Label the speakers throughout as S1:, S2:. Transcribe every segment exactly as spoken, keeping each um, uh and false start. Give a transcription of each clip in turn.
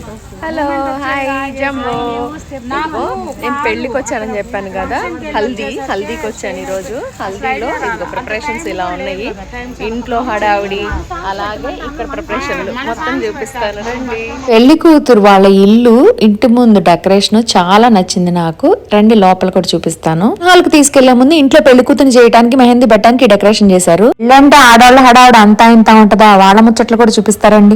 S1: Hello hi jumbo. నేను పెళ్ళికి వచ్చానని చెప్పాను కదా, హల్దీ హల్దీకి వచ్చాను ఈరోజు. హల్దీలో ఇదిగో ప్రిపరేషన్స్ ఇలా ఉన్నాయి. ఇంట్లో హడావిడి, అలాగే ఇక్కడ ప్రిపరేషన్లు మొత్తం చూపిస్తాను రండి.
S2: పెళ్లి కూతురు వాళ్ళ ఇల్లు ఇంటి ముందు డెకరేషన్ చాలా నచ్చింది నాకు. రండి లోపల కూడా చూపిస్తాను. వాళ్ళకి తీసుకెళ్లే ముందు ఇంట్లో పెళ్లి కూతురు చేయడానికి మెహందీ పెట్టడానికి డెకరేషన్ చేశారు. ఇల్లంటే ఆడవాళ్ళ హడావిడి అంతా ఇంత ఉంటదా, వాళ్ళ ముచ్చట్లు కూడా చూపిస్తారండి.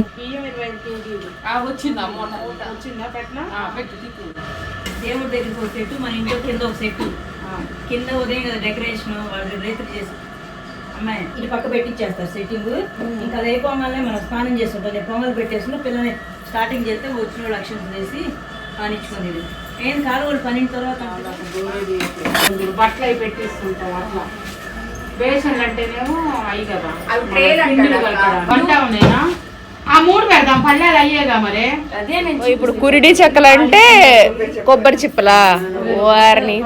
S3: దేవుడి దగ్గరికి ఒక సెట్, మన ఇంట్లో కింద ఒక సెట్. కింద ఉదయం కదా డెకరేషన్ వాళ్ళు రైతులు చేసి అమ్మాయి ఇటు పక్క పెట్టించేస్తారు సెట్టింగ్. ఇంకా అది అయిపోగానే మనం స్నానం చేస్తుంటాం. పొంగలు పెట్టేసుకుని పిల్లని స్టార్టింగ్ చేస్తే వచ్చిన వాళ్ళు అక్షంత చేసి పానించుకునేది. ఏం కాదు వాళ్ళు పనిన తర్వాత
S4: బట్టలు అవి పెట్టేస్తుంటాం. అట్లా బేసన్లు అంటేనేమో అయ్యి కదా వంట ఉన్నాయినా ఆ మూడు పెడదాం, పల్లెలు అయ్యేగా మరి.
S1: ఇప్పుడు కురిడి చెక్కలు అంటే కొబ్బరి చిప్పలా వారిని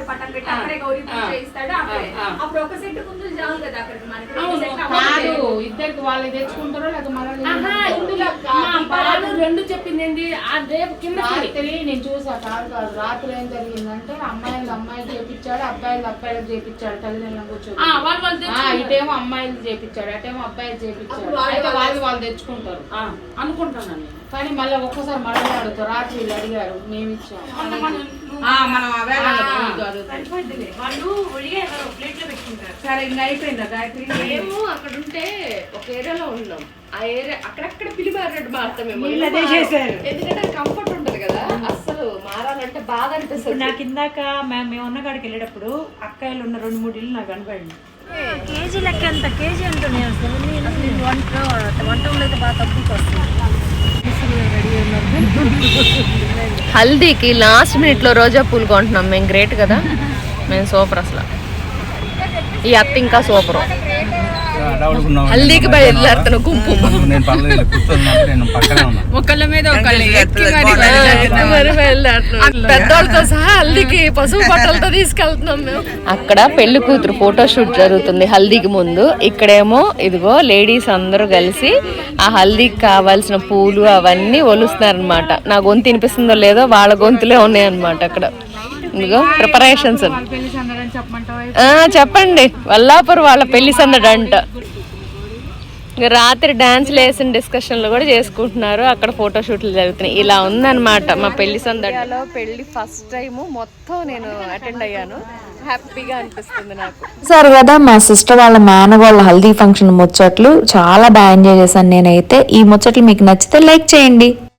S4: ఇద్దరికి వాళ్ళు తెచ్చుకుంటారో లేకపోతే రెండు చెప్పింది ఏంటి రేపు కింద రాత్రి నేను చూసా. కాదు కాదు రాత్రి ఏం జరిగిందంటే అమ్మాయిలు అమ్మాయిలు చేపించాడు, అబ్బాయిలు అబ్బాయిలు చేపించాడు. తల్లిదండ్రులు కూర్చొని ఇటేమో అమ్మాయిలు చేపించాడు, అటేమో అబ్బాయిలు చేపించాడు. అయితే వాళ్ళు వాళ్ళు తెచ్చుకుంటారు అనుకుంటున్నాను. కానీ మళ్ళీ ఒక్కసారి మళ్ళీ అడుగుతారు. రాత్రి వీళ్ళు అడిగారు, మేము ఇచ్చాము.
S1: సరే ఇంకా అయిపోయిందా గాయత్రి? మేము అక్కడ ఉంటే ఒక ఏరియాలో ఉన్నాం. ఆ ఏరియా అక్కడక్కడ పిలిమారేడు మారుతామేమో, ఎందుకంటే కంఫర్ట్ ఉంటుంది కదా. అస్సలు మారాలంటే బాధ అనిపిస్తుంది.
S3: నాకు ఇందాక మేము ఉన్న కాడికి వెళ్ళేటప్పుడు అక్కాయలు ఉన్న రెండు మూడు ఇల్లు నాకు కనపడింది. కేజీ లెక్క ఎంత కేజీ ఉంటుంది అసలు. వంట వంటలు అయితే బాగా తక్కువకి వస్తుంది.
S1: హల్దీకి లాస్ట్ మినిట్ లో రోజా పూలు కొంటున్నాం మేము. గ్రేట్ కదా, మేము సూపర్. అసలు ఈ అత్త ఇంకా సూపర్. హల్దీకి బయలుదేరుతున్న గుంపు ఒకళ్ళ మీద పెద్దోళ్ళతో సహా హల్దీకి పసుపు బట్టలతో తీసుకెళ్తున్నాం మేము. అక్కడ పెళ్లి కూతురు ఫోటో షూట్ జరుగుతుంది హల్దీకి ముందు. ఇక్కడేమో ఇదిగో లేడీస్ అందరూ కలిసి ఆ హల్దీకి కావాల్సిన పూలు అవన్నీ ఒలుస్తున్నారు అనమాట. నా గొంతు వినిపిస్తుందో లేదో వాళ్ళ గొంతులే ఉన్నాయి అనమాట అక్కడ. ఇదిగో ప్రిపరేషన్స్ చెప్పండి. వల్లాపూర్ వాళ్ళ పెళ్లి సందడి అంట. రాత్రి డాన్స్లు వేసిన డిస్కషన్లు కూడా చేసుకుంటున్నారు. అక్కడ ఫోటో షూట్లు జరుగుతున్నాయి. ఇలా ఉందన్నమాట మా పెళ్లి సందడిలో. పెళ్లి ఫస్ట్ టైం మొత్తం నేను అటెండ్ అయ్యాను. హ్యాపీగా అనిపిస్తుంది నాకు.
S2: సరే కదా, మా సిస్టర్ వాళ్ళ మేనగోళ్ళ హల్దీ ఫంక్షన్ ముచ్చట్లు చాలా బాగా ఎంజాయ్ చేశాను నేనైతే. ఈ ముచ్చట్లు మీకు నచ్చితే లైక్ చేయండి.